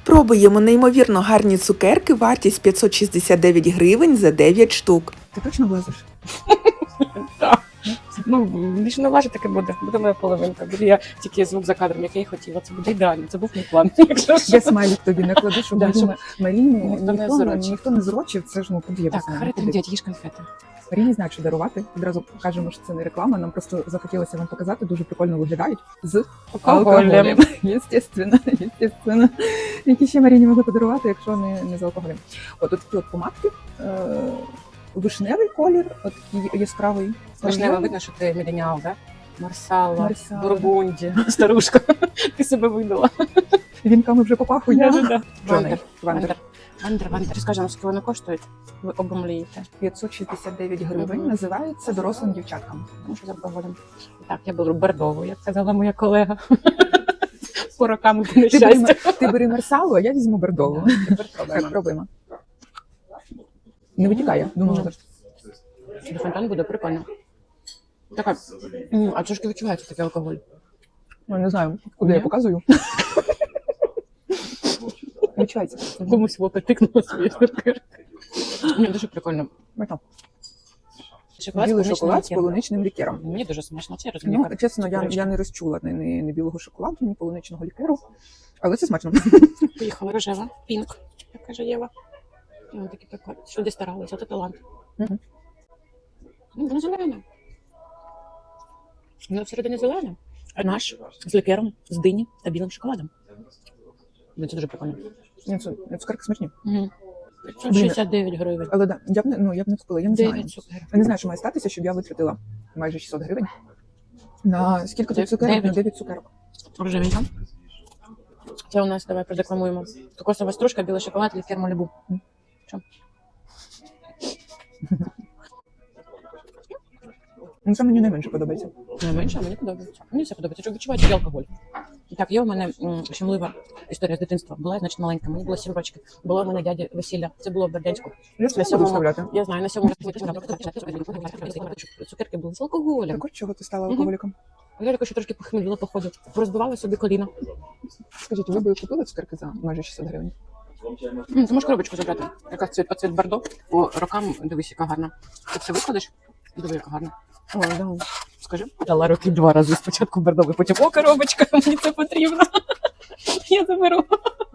Спробуємо неймовірно гарні цукерки, вартість 569 гривень за 9 штук. Ти точно влазиш? Так. Ну, більше не важить, таке буде. Буде моя половинка. Буде я тільки звук за кадром, який я хотіла. Це буде ідеально. Це був мій план. Якщо що. Я смайлик тобі накладу, щоб Да, щоб Маріні ніхто ніхто не зрочив. Це ж подивитися. Так, харитим, їж конфети. Маріні знають, що дарувати. Відразу кажемо, що це не реклама. Нам просто захотілося вам показати. Дуже прикольно виглядають з алкоголем. Єстественно. Які ще Маріні могли подарувати, якщо не з алкоголем. От такі от помадки. Вишневий колір, от такий яскравий. Вишнево видно, що ти міленіал, да? Марсала, Марсала. Бургунді, старушка. Ти себе видала. Вінками вже попахує. Вандер. Вандер. Вандер. Скажемо, скільки вони коштують? Ви обомлієте. 569 гривень. Називається дорослим дівчаткам. Тому що з алкоголем. Так, я беру бордову, як казала моя колега. По рокам нещастя. Ти бери марсалу, а я візьму бордову. Тепер Так, пробуємо. пробуємо. Не витікає, думаю. Фонтан буде прикольно. Така, а трошки відчувається такий алкоголь. Ну, не знаю, куди я показую. Відчувається. Комусь в опит тикнуло свої цукерки. Ні, дуже прикольно. Смачно. Шоколад Білий з шоколад з полуничним полуничним лікером. Мені дуже смачно, це я розумію. Ну, чесно, я не розчула ні білого шоколаду, ні полуничного лікеру. Але це смачно. Поїхала рожева, пінк, як каже Єва. І вони такі прикольні. Що де старалися, це талант. Мгм. Ну, воно зелене. Воно всередині зелене. А наш з лікером, з дині та білим шоколадом. Ну, це дуже прикольно. Ні, це цукерки смачні. Угу. 69 гривень. Але да, я б не встигла, я не знаю. 9 цукерок. Я не знаю, що має статися, щоб я витратила майже 600 гривень. На скільки тут цукерок? На 9 цукерок. Рожевенька. Це у нас, давай продекламуємо. Кокосова стружка, білий шоколад, лікер Малібу. Що? Ну, це мені найменше подобається. Найменше, а мені подобається. Мені все подобається, що відчувається і алкоголь. Так, є у мене щемлива історія з дитинства. Була, значить, маленька, мені було 7 років. Було у мене дяді весілля. Це було в Бердянську. Я це не буду вставляти. Я знаю, на 7 цукерки були з алкоголем. Так от чого ти стала алкоголіком? Я також трошки похміліла, походу. Розбивала собі коліна. Скажіть, ви б купили цукерки за майже 600 гривень? Ти можеш коробочку забрати. Яка оцвіт бордо. По рокам, дивись, яка гарна. Ти все викладеш? Диви, яка гарна. О, да. Скажи. Дала роки 2 рази. Спочатку бордовий, потім коробочка, мені це потрібно. Я заберу.